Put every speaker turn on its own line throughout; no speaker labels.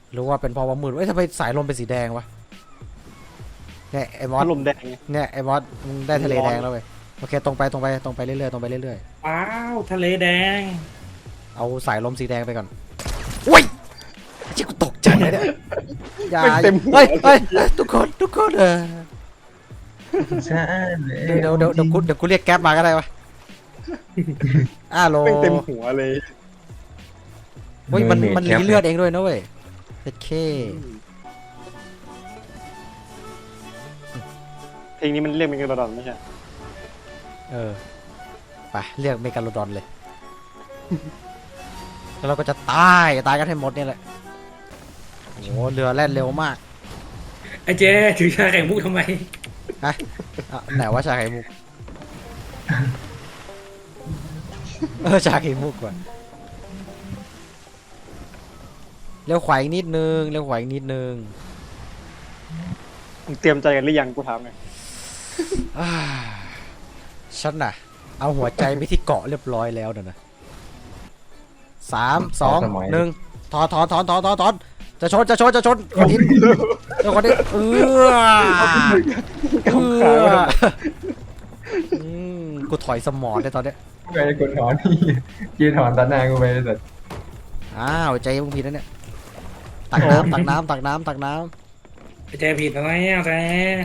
หรือว่าเป็นเพราะว่ามืดทำไมสายลมเป็นสีแดงวะเนี่ยไอ้มอส
ลมแดงไง
เนี่ยไอ้มอสมึงได้ทะเลแดงแล้วเว้ยโอเคตรงไปเรื่อยๆตรงไปเรื่อย
ว้าวทะเลแดง
ๆเอาสายลมสีแดงไปก่อนอุ้ยชิกูตกใจเลยเนี่ยอย่าเฮ้ยทุกคน
ใช่เลย
เดี๋ยวกูเรียกแก๊ปมาก็ได้วะโล
เป็นเต็มหัวเลย
เฮ้ยมันรีเลือดเองด้วยนะเว้ยเจ็ดเค
เพลงนี้มันเรียกเป็นกระดอนไม่ใช่
ไปเรียกเมกาโลดอนเลยแล้วเราก็จะตายกันให้หมดเนี่ยแหละโอ้โหเรือแล่นเร็วมาก
ไอ้เจ๊ถือชาแข่งมุกทำไม
ฮะไหนว่าชาไข่มุกชาไข่มุกก่อนเร็วขวาอีกนิดนึง
มึงเตรียมใจกันหรือยังกูถามไง
ฉันน่ะเอาหัวใจไปที่เกาะเรียบร้อยแล้วนะ3 2 1ถอนจะชนคนอินคนอินกูถอยสมองได้ตอนเนี้ย
ไปกดถอนนี่ยืนถอนตัดหน้ากูไปแต่
ใจมึงผิดแล้วเนี่ยตักน้ำ
ไอ้เจ๊ผิดอะไรอ่ะเจ๊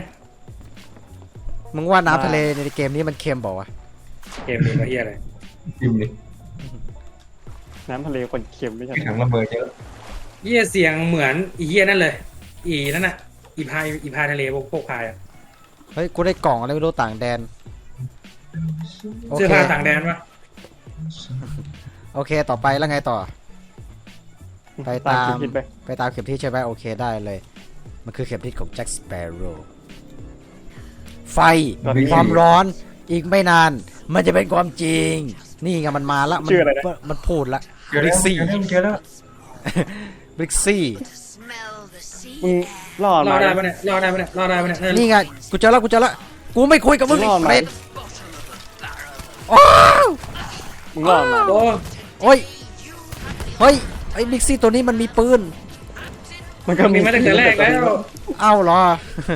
มึงว่าน้ำทะเลในเกมนี้มันเค็มเปล่าวะ
เกมนี้ก็เฮียอะไร
จิ้มเลย
น้ำทะเลคนเค็มไม่ใช่
ถังระเบิดเยอะ
เฮียเสียงเหมือนอีเฮียนั่นเลยอีนั่นน่ะอีพายทะเลพวกพายอ่ะ
เฮ้ยกูได้กล่องอะไรไม่รู้ต่างแดนโอ
เสื้อ
เค
ผ้าต่างแดนปะ
โอเคต่อไปแล้วไงต่อ ไปตาม
คิดไป
ไปตามเข็มทิศใช่ไหมโอเคได้เลยมันคือเข็มทิศของแจ็คสเปโร่ไฟความร้อนอีกไม่นานมันจะเป็นความจริงนี่ไงมันมาแล้วมันพูดละ
เจอแล้วเจอแล้ว
บริกซี่
มึงรอด
รอ
มา
ได้ปะเนี่ยรอได้ปะเนี่ย
นี่ไงกูเจอแล้วกูไม่คุยกับมึง
รอดมา
เฟรดโอ้
มึงรอดมา
โอ้
โอ้ยเฮ้ยไอ้บริกซี่ตัวนี้มันมีปืน
มันก็
มีมาตั้งแต่แรกแล้ว
เอ้าเหรอ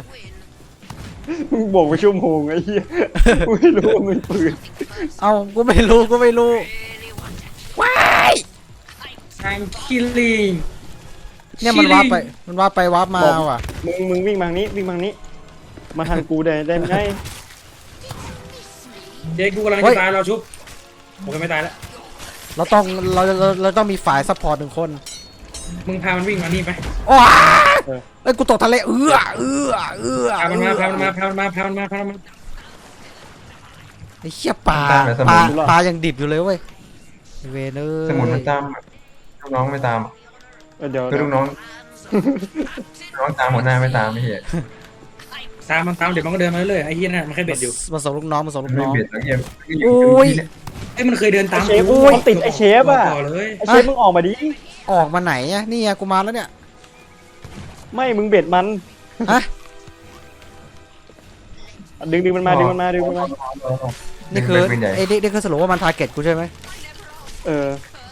มึงบอกไปชั่วโมงไอ้เหี้ยกูไม่รู้ว่ามันปืน
เอ้ากูไม่รู้ว้าย
I'm killing
เนี่ยมันวาร์ปไปวาร์ปมาว่ะ
มึงวิ่งมานี้มาทางกูได้ไหม
เจ๊กูกำลังจะตายเราชุบผมก็ไม่ตายแล้ว
เราต้องมีฝ่ายซัพพอร์ต1 คน
มึงพามันวิ่งมานี่ไป
โอ้เอ้ยกูตกทะเลเอื้อ
พามันมา
ไอ้เหี้ยปลายังดิบอยู่เลยเว้ยเวเนอร์
สมุนมันตามลูกน้องไม่ตาม
เดี๋ยว
คือลูกน้องตามหัวหน้าไม่ตามไม่เห็น
ตามเดี๋ยวมันก็เดินมาเรื่อยไอ้เหี้ยน่ะมันแค่เบ็ดอยู่
มาส่งลูกน้อง
ไม่เบียดแล้วเกม
โอ้ย
ไอ้มันเคยเดินตาม
เชฟติดไอเชฟอ่ะ
ต่อเลย
ไอเชฟมึงออกมาดิ
ออกมาไหนอะนี่ไงกูมาแล้วเนี่ย
ไม่มึงเบ็ดมัน
ฮะ
ดึงมันมา
นี่คือไอ้นี่คือสรุปว่ามันทาร์เก็ตกูใช่ไหม
เออ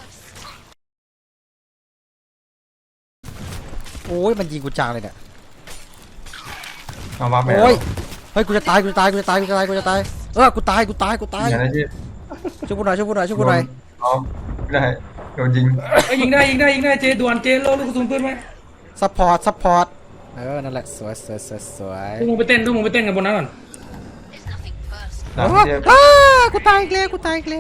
โอ้ยมันยิงกูจังเลยเนี่ย
เอามาแบบ
โอ้ยเฮ้ยกูจะตายกูตายกูตายกูตายกูตาย
อย่างนั้นที่
ช่วยกูหน่อย
อ๋อไม่ได้โดนยิง
ยิงได้เจด่วนเจโลลูกกระสุนปืนไหม
ซัพพอร์ตนั่นแหละสวย
พวกมึงไปเต้นกันบนนั้นก่อน
หลังเทียบ
กูตายอีกแล้ว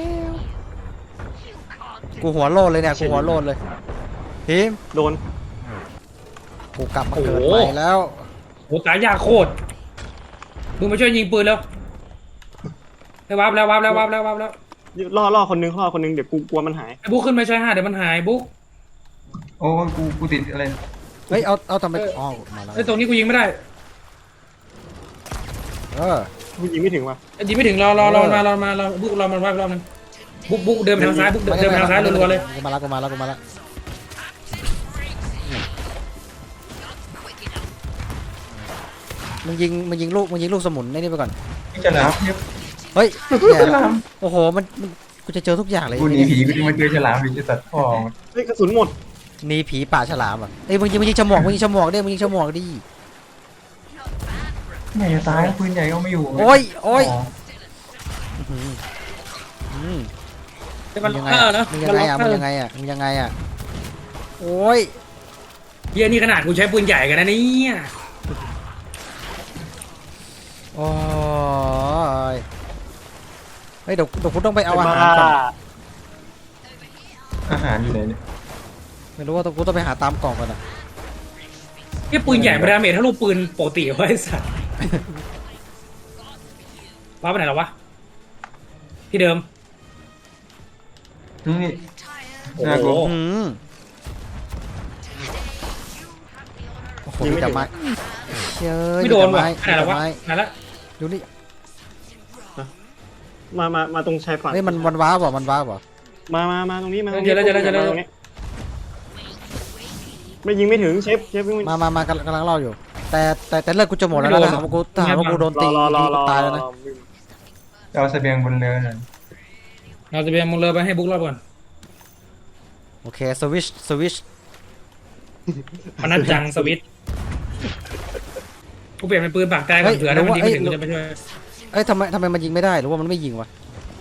กูหัวโลดเลยเนี่ยทีม
โดน
กูกลับมาเกิดใหม่แล้ว
โหตายยากโคตรมึงมาช่วยยิงปืนแล้วได้วาร์ปแล้ว
ล่อคนนึงเดี๋ยวกูกลัวมันหาย
ไอ้บุ๊กขึ้นมาช่วย5เดี๋ยวมันหายบุ๊ก
โอ้กูติดอะไร
เฮ้ยเอาทำไมมาแล้ว
ไอ้ตรงนี้กูยิงไม่ได้
กูยิงไม่ถึงว่ะ
ยิงไม่ถึงรอมาบุ๊กรอมันวาร์ปรอบนึงบุ๊กเดินไปทางซ้ายบุ๊กเดินไปทางซ้ายรัวๆเลย
กูมาแล้วมึงยิงลูกสมุนนี่ไปก่อน
จะหลามเทียบ
เฮ้ย
ฉลาม
โอ้โหมันกูจะเจอทุกอย่างเลย
กูหนีผีกูจะมาเจอฉลามผีจะตัดคอ
เฮ้ยกระสุนหมด
หนีผีป่าฉลามอ่ะเอ้ยมึงยิงฉมวกมึงยิงฉมวกดิมึงยิงฉมวกดิ
ไม่จะตายปืนใหญ่ก็ไม่อยู่
โอ้ยโอ้ย
มัน
ยังไง
ฆ่านะ
มึงยังไงอ่ะมึงยังไงอ่ะมึงยังไงอ่ะโอ้ย
เฮียนี่ขนาดกูใช้ปืนใหญ่กันนะเนี่ย
โอ้ยเฮ้ยเดี๋ยวกูต้องไปเอาอาหารก่อน
อาหารอยู่ไหนเนี่ย
ไม่รู้ว่ากูต้องไปหาตามกล่องก่อนอ่ะ
เฮียปืนใหญ่มาดาเมจถ้าลูกปืนปกติไว้สัตว์ว้าไปไหนแล้ววะที่เดิม
นี่
โอ้
น่ากลัว
โห
อืมโอ้โหมีแต่ไม้เชื่อ
ไม่โดนว่ะ
มี
ขนาด
แต่
แล้ววะ
ไม้
ขนาดละ
ดูนี่
มาตรงชายฝั่ง
เฮ้ยมันว้าวบ่มันว้าวบ่
มาตรงนี้มาตรง
เจ
นี้
อแล้วเจอแล้วเจอแล้ว
ตรงนี้ไม่ยิงไม่ถึงเชฟวิ่ง
มากำลังเล่าอยู่ แต่เลือดกูจะหมดแล้วนะถ้าหากว่ากูโดนตี
รอ
กูตายแล้วนะ
เอาเสบียงบนเรือหน่อย
เราจะไปมึงเลยไปให้บุ๊กรอบก่อน
โอเคสวิช
พนันจังสวิตช์กูเปลี่ยนเป็นปืนปากแตกก่อนเผื่อถ้ามันยิงไม่ถึงกูจะไปช่วย
เอ้ยทำไมมันยิงไม่ได้หรือว่ามันไม่ยิงวะ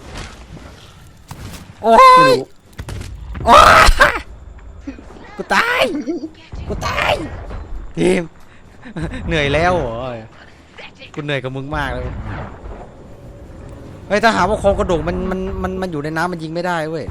โอ้ยโอ้ยกูตายทีมเหนื่อยแล้วเหรอกูเหนื่อยกับมึงมากเลยเฮ้ยถ้าหาว่าโครงกระดูกมันอยู่ในน้ำมันยิงไม่ได้เว้ย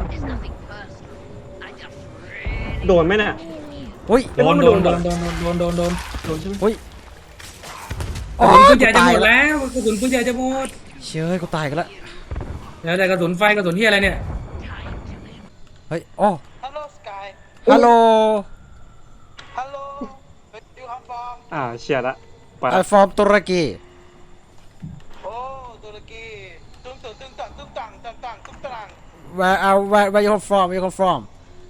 โดนไหมเนี่ย
เฮ้ย
โดนใช่ไหม
เฮ้ย
กระสุนปืนใหญ่จะหมดแล้วกระสุนปืนใหญ่จะหมด
เชื่อกูตายกันละ
แล้วแต่กระสุนไฟกระสุนที่อะไรเนี่ย
เฮ้ยโอ้
Hello, Sky.
ฮัลโหล
Hello. Where do you come from?
เชียร์ละไป
ไอฟอร์มตุรกี
Oh, Turkey. Tung tung tung tang tung tang tang tang tung tang.
where you come from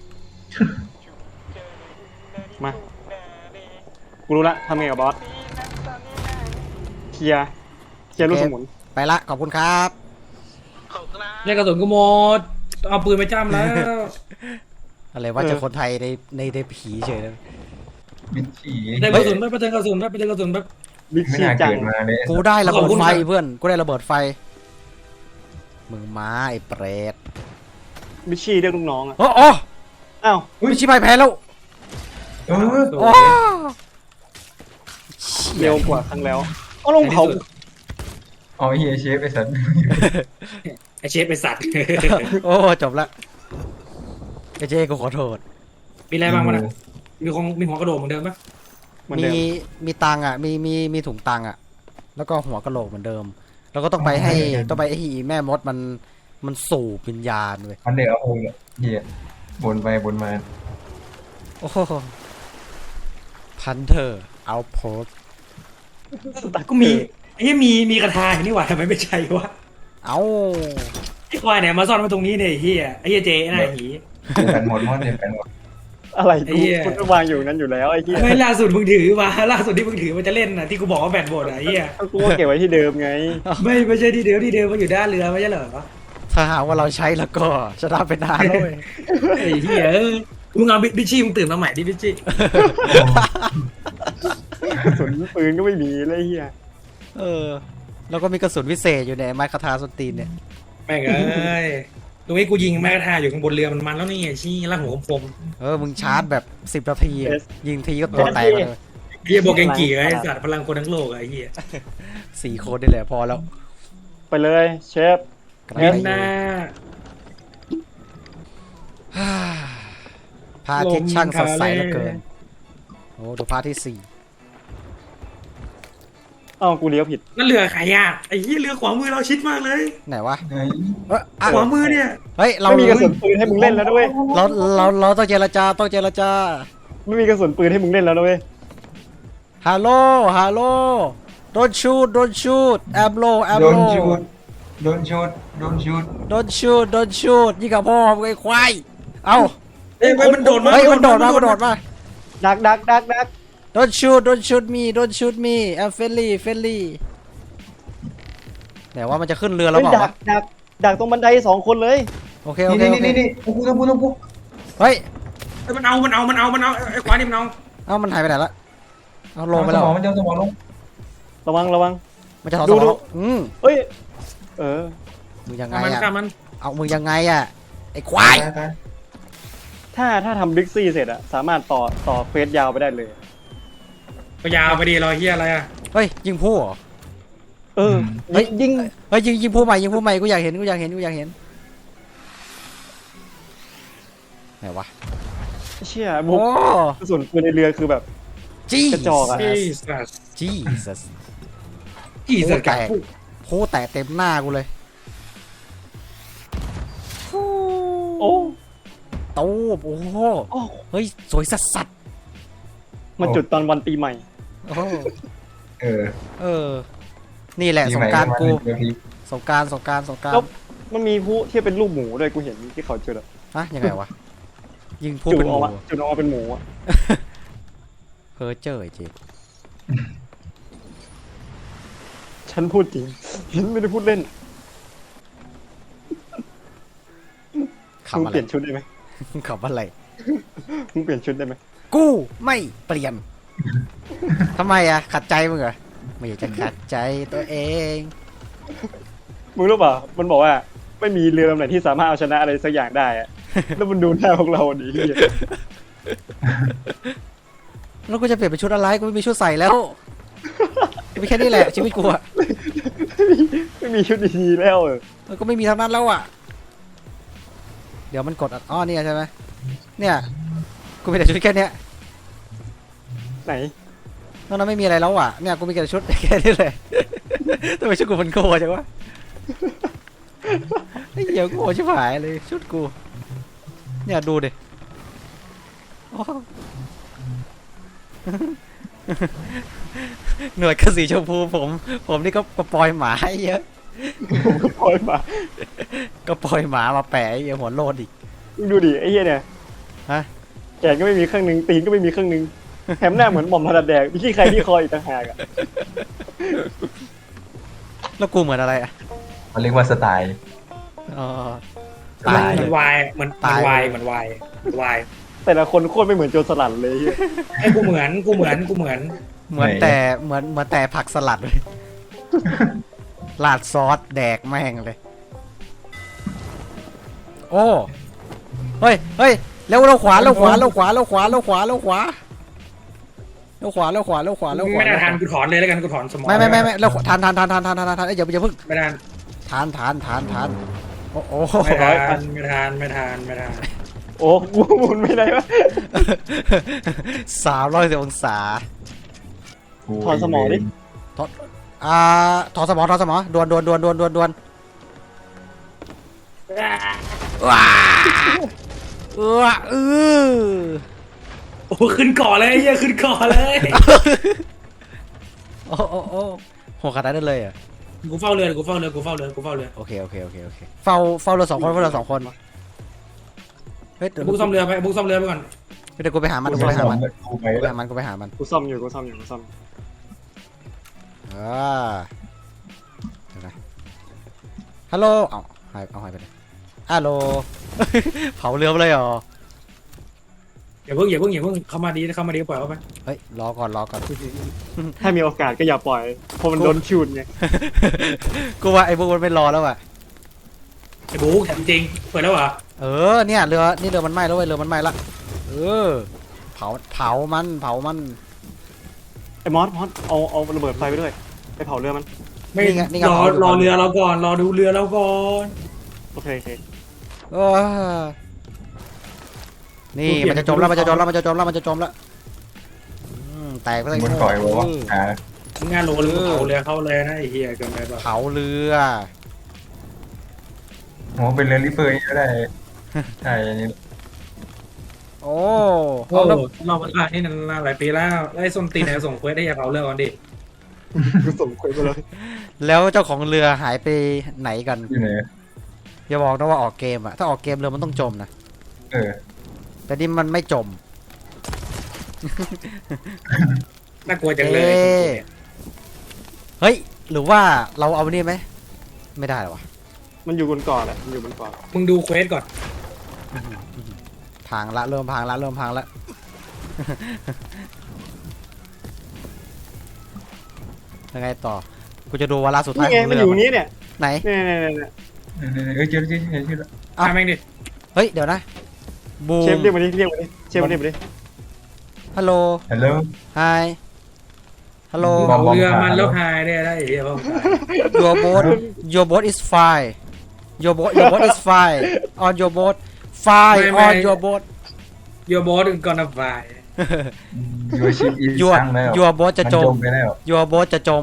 มากูรู้ละทำไงกับบอสเคลียร์ลูกสมุน
ไปละขอบคุณครับ
เนี่ยกระสุนกูหมดเอาปืนไปจ้ำแล้ว
อะไรว่าจะคนไทยในผีเฉยเลย
บินฉี่
ได้กระสุนไปเติมกระสุนไปเติมกระสุนแบบ
บิ๊ก
ไม่
ซี
น่า
จัง
เกิดมาเลย
กูได้ระเบิ
ขอ
ด
บคุณ
ไฟ
ครับ
เพื่อนกูได้ระเบิดไฟมึงม้าไอ้เปรต
บิ๊กซีเรียกลูกน้องอ่ะ
โอ้โอ้
อ้าว
ไม่ชิบายแพ้แล้ว
เออ
โอ้
เร็วกว่าครั้งแล้วเอาลงเผา
เอาไอ้เฮียเชฟไอ้สัตว์
ไอเชฟเป็นสัตว์
โอ้จบละไอ้เจ๊กูขอโทษ
มีอะไรบ้างวะเนี่ยมีหัวกระโดดเหมือนเดิมปะ
เหมือนเดิม
มีตังค์อ่ะมีถุงตังค์อ่ะแล้วก็หัวกะโหลกเหมือนเดิม แล้วก็ต้องไปให้อีแม่มดมันสูบวิญญาณเว้ย
มันเดือดเอาโอ้ยเฮียบนไปบนมา
โอ้พันเธอเอาโพส
ก็มีไอ้มีกระทาอย่างนี้หว่าทำไมไม่ใช่วะ
เอา
ไอ้ควายไหนมาซ่อนมาตรงนี้เนี่ยไอ้เฮียไอ้เฮียเจไอ้หน้าหี
แผ่นหมดมันเดือดแผ่นหมด
อะไร
ไอ้
กู
เหี้ย
คุณวางอยู่นั้นอยู่แล้วไอ้เหี้ย
ไม่ล่าสุดมึงถือมาล่าสุดที่มึงถือมันจะเล่นน่ะที่กูบอกว่าแบตหมดอ่ะไอ้เฮีย
กูก็เก็บไว้ที่เดิมไง
ไม่ใช่ที่เดิมมันอยู่ด้านเรือไม่ใช่เหรอ
ถ้าหากว่าเราใช้แล้วก็จะได้เป็นนานแล้วเว้ย
ไอ้เฮียมึงเอาบิชชี่มึงตื่นมาใหม่ดิบิชชี่
กระสุนปืนก็ไม่มีเลยไอ้เหี้ย
เออแล้วก็มีกระสุนวิเศษอยู่ในไม้คาถาส้นตีนเนี่ย
แม่งเอ้ยตรงนี้กูยิงแม่กระทาอยู่ข้างบนเรือมันแล้วนี่ไงชี้ล่างหัวคม
มึงชาร์จแบบ10 นาทีอะยิงทีก็ตัวแตกเลย
เฮียบอกเกงกี่ไอ้สัตว์พลังคนทั้งโลกไอ้เฮีย
4 คนนี่แหละพอแล้ว
ไปเลยเชฟ
กำลัง
เห็น
ไป
หน้า
พระอาทิตย์ช่างสดใสเหลือเกินโอ้ดูพระอาทิตย์4
อ้าวกูเลี้ยวผิด
นั่นเรือใครอ่ะไอ้เฮียเรือขวามือเราชิดมากเลย
ไหนวะ
เฮ้ย
ขวามือเนี่ย
เฮ้ยเรา
ไม่มีกระสุนปืนให้มึงเล่นแล้วด้วย
เราต้องเจรจา
ไม่มีกระสุนปืนให้มึงเล่นแล้วด้วย
ฮัลโหล don't shoot I'm low
โดนชูดโดนชูดโดนชูด
don't shoot ยิงกับพ่อมึงไอ้ควายเอ้า
เอ้ยมันโดดมา
เฮ้ยมันโดดมา
ดัก
don't shoot me I'm friendly ไหนว่ามันจะขึ้นเรือแล้ว
เฮ้ย
เปล่าวะ
ดักตรงบันได2 คนเลย
โอเค
นี่นี่นี่นี่โอ้โหต้องพูด
เฮ้ย
มันเอาไอ้ขวานี่มันเอา
เอ้ามันหายไปไหนละเอาลงไป
ส
แล้ว
มองมันจะสมองลง
ระวัง
มันจะถอด
ดู
สมอง
เอ้ยเออ
มึงยังไง
มัน
อะ
ฆ่ามัน
เอามึงยังไงอะไอ้ควาย
ตาย
ถ้าทำบิ๊กซี่เสร็จอะสามารถต่อเควสยาวไปได้เลย
ก็ยาวไปดีรอเฮียอะไรอ่ะ
เฮ้ยยิงผู้เหรอ
เออ
เฮ้ย
ยิง
เฮ้ยยิงผู้ใหม่กูอยากเห็นไหนวะ
เชี่ยบุ
โอ้
กกระสุนปืนในเรือคือแบบ
จี้
กระจอกอะ
จีสัส
จี้สัส
จีสัสกับผู้
ผู้แตะเต็มหน้ากูเลย
โอ้
ตูบโอ้โห
โอ้
เฮ้ยสวยสัสสัส
มันจุดตอนวันปีใหม่
โอ้โห
เออ
เออ นี่แหละสงกรารกู
เดี๋ยวพี่
สงกราร
แล้ว มันมีผู้ที่เป็นรูปหมูด้วยกูเห็นที่เขาจุดอะ
ฮะยังไงวะยิงผู้
จุด
เป็นห
ออ
มู
กมาจุดออกมาเป็นหมูอะ
เพ้อเจ้อไอ้เจ
ฉันพูดจริงฉันไม่ได้พูดเล่น
ขับ
มึง
อะ
เป
ไร
ลี่ยนชุดได้ไหม
ขับอะไร
มึงเปลี่ยนชุดได้ไหม
กูไม่เปลี่ยนทำไมอะขัดใจมึงเหรอไม่อยากจะขัดใจตัวเอง
มึงรู้ป่ะมันบอกว่าไม่มีเรือลำไหนที่สามารถเอาชนะอะไรสักอย่างได้อะ แล้วมันดูหน้าพวกเราดีเหี้ย
แล้วกูจะเปลี่ยนเป็นชุดอะไรกูไม่มีชุดใส่แล้วมีแค่นี้แหละชีวิตกูอะ
ไม่มีชุดดีๆแล้วเออ
มันก็ไม่มีทั้งนั้นแล้วอะเดี๋ยวมันกดอ๋อเนี่ยใช่ไหมเนี่ยกูมีแต่ชุดแค่เนี้ย
ไหน
นอกนั้นไม่มีอะไรแล้วอะเนี่ยกูมีแต่ชุดแค่นี้เลยทำไมชุดกูมันโกจังวะไอ้เหี้ยกูโง่ชิบหายเลยชุดกูเนี่ยดูดิโอ้หนวดกระสีชมพูผมนี่ก็ปล่อยหมาให้เยอะ
ผมก็ปล่อยมา
ก็ปล่อยหมามาแปะไอ้เหี้ยหัวโลดอีก
มึงดูดิไอ้เหี้ยเนี่ย
ฮะ
แขนก็ไม่มีข้างหนึงตีนก็ไม่มีข้างหนึงแถมหน้าเหมือนหม่อมถนัดแดกมีขี้ใครที่คอยอีกต่างหากอะ
แล้วกูเหมือนอะไรอ่ะ
มันเรียกว่าสไตล์
อ๋อ
สไตล์
มันวายเหมือนวาย
แต่ละคนโคตรไม่เหมือนโจรสลัดเลยเหี้ย
ไอ้กูเหมือน
เหมือนแต่ผักสลัดเลยลาดซอสแดกแม่งเลย โอ้เฮ้ยเร็วขวาไม่
ไม่ได้ทันกูถอนเลยแล้วกันกูถอนสมอง
ไม่แล้วทานเอ้ยอย่าเพิ่ง
ไม่ทัน
ทานโอ้โห
ไม่ทัน
โอ้กูหมุนไม่ได้วะ
310 องศา
ถอนสมองดิ
ถอดสมองดวนว้า
โอ้ขึ้นก่อนเลยเฮียขึ้นก่อนเลย
โอ้โหขนาดนั้นเลยอ่ะ
กูเฝ้าเรือ
โอเคเฝ้าเรือสองคนเฮ้ยเดี๋ยว
บุกซ่อมเรือไปก่อน
กูไปหามัน
กูไปแล้ว
กูซ่อมอยู่
เดี๋ยวนะฮัลโหลเอาหายไปเลยฮัลโหล เผาเรือไปเลยเหรอ
อย่าเพิ่งเข้ามาดีปล่อยเขาไป
เฮ้ยรอก่อน
ถ้ามีโอกาสก็อย่าปล่อยเพราะมันโดนชูดไง
กูว่าไอ้พวกมันไม่รอแล้วอ่ะ
ไอ้บุกจริงเปิดแล้วเหรอ
เนี่ยเรือมันไหม้แล้วเว้ยเรือมันไหม้ละเผามัน
ไอ้มอสเอาระเบิดไฟไปด้วยไปเผาเรือมัน
ไม่รอเรือเราก่อนรอดูเรือเราก่อน
โอเค
นี่มันจะจมแล้วแตกไปเลย
มันก่อยบอกว่า
มึงงานโหลหรือเผาเรือเข้าเลยนะไอ้เหี้ยเกินไปป่ะ
เผาเรือ
โหเป็นเรือริเฟอร์ก็ได้ใช่อันนี้
โอ้
โอ้เราเวลานี่นานหลายปีแล้วไอ้ส้นตีนเนี่ยส่งเควสได้อย่าเผาเรือก่อนดิ
กูส่งคุยไปเลย
แล้วเจ้าของเรือหายไปไหนกัน
อยู่ไหน
อย่าบอกนะว่าออกเกมอะถ้าออกเกมเรือมันต้องจมนะ แต่นี่มันไม่จม
น่ากลัวจังเลย
เฮ้ยหรือว่าเราเอานี่ไหมไม่ได้หรอวะ
มันอยู่บนเกาะแหละมันอยู่บนเกาะ
มึงดูเควสก่อน
พังละเริ่มพังละยังไงต่อกูจะดูวาระสุดท้าย
นี่
ข
ไง
อง
มัน
เรือ
อยู่นี้เนี่ย
ไหน
เนี่ย
เจอแล้ว
อ้าว
ทำแม่งดิ
เฮ้ยเดี๋ยวนะบูม
เชฟเรียกมาดิเรียกมาดิเชฟเรียกมาดิ
ฮัลโหล
ฮัลโหล
ไฮฮัลโหล
บอม
เรือมันแล้วหายได้ได้เฮียพ่อ
your boat is fine your boat is fine on your boat fine on your boat
โยบอสก่อนนะฝ่าย
ยูชิปอี
your
สั่งแล้ว
your boat จะจม
ไปแล้ว
your boat จะจม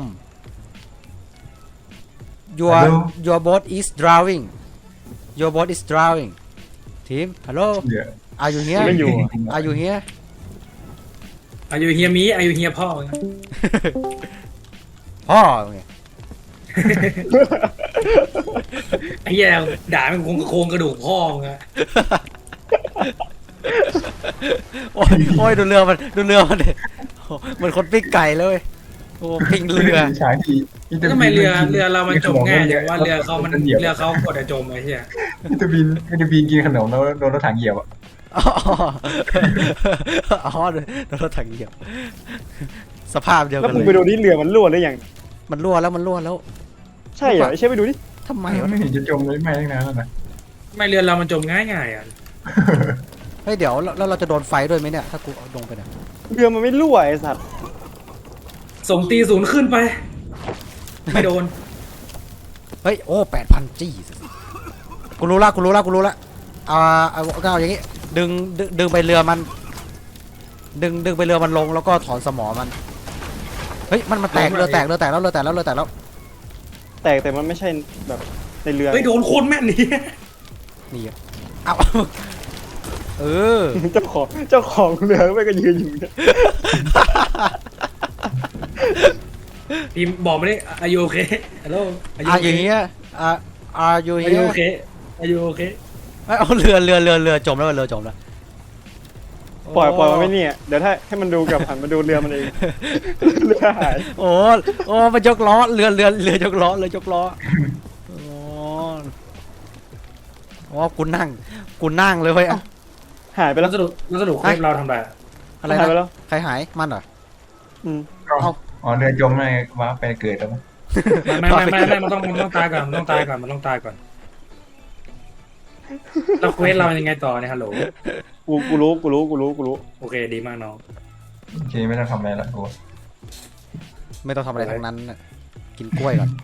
your
Hello?
your boat is drowning your boat is drowning ทีม hello
เดี๋ยว
are you here
ไม่อยู่
are you here
อายุเฮียมีอายุเฮียพ่อ
พ่อไง
ไอ้เหี้ยด่ามันโครงกระดูกพ่อมึงอะ
โอ้ยดูเรือมันดิโอ้เหมือนคนปิ้งไก่เลยโอ้ปิ้งเรือ
ฉายที
ทำไมเรือเรามันจมง่ายจังว่าเรือเขากดจะจมไอ้เหี้ย
วิตามินกินขนมแล้วโดนรถถังเหยียบอ่ะ
อ๋อโดนรถถังเหยียบสภาพเดียว
แล้ว
กัน
มึง
เล
ไป
ย
ดูนี่เรือมันรั่วหรือยัง
มันรั่วแล้ว
ใช่เหรอเชฟไปดูดิ
ทำไม
ไม่
วะ
ไม่เห็นจะจมเลยไม่ตั้งนานแล้วนะ
ทำไมเรือเรามันจมง่ายอ่ะ
เฮ้ยเดี๋ยวแล้วเราจะโดนไฟด้วยไหมเนี่ยถ้ากูเอาลงไปเนี่ย
เรือมันไม่รั่วไอ้สัตว์
ส่งตีศูนย์ขึ้นไป ไม่โดน
เฮ้ยโอ้8,000จี้กูรู้ละเอาอย่างงี้ดึงไปเรือมันดึงไปเรือมันลงแล้วก็ถอนสมอมันเฮ้ยมันแตกเรือแตกแล้ว
แตกแต่มันไม่ใช่แบบในเรือ
เฮ้ยโดนโคนแม่นนี่
นี่อะเอาเออ
เจ้าของเรือไม่ก็ยืนอยู่เนี่ย
ทีมบอกไม่ได้อายุโอเคฮัลโหล
อาอยู่เฮียอาอยู่
อา
เฮี
ยุ
ย
โอเคอายุโอเค
เอาเรือจมแล้วเรือจมแล้ว
ปล่อยมันไม่เนี่ยเดี๋ยวถ้าให้มันดูกับหันมาดูเรือมันเองเรือหาย
โอ้มันยกล้อเรือยกล้ออ๋อกูนั่งเลยเว้ยอะ
หายไป
แล้
แล้ว ว
สรุปคลิปเราทำไร
อะไร
หายไป
นะ
แล้ว
ใครหายมันเหรอ
อืม
อ๋อเรือจมเลยว่าไปเกิดแล้วมั้ง
ไม่มันต้องตายก่อนมันต้องตายก่อนเราเควสเรายังไงต่อเนี่ยฮัลโหล
กูรู้
โอเคดีมากน้อง
โอเคไม่ต้องทำอะไรละโอ้
ไม่ต้องทำอะไรทั้งนั้นน่ะกินกล้วยก่อน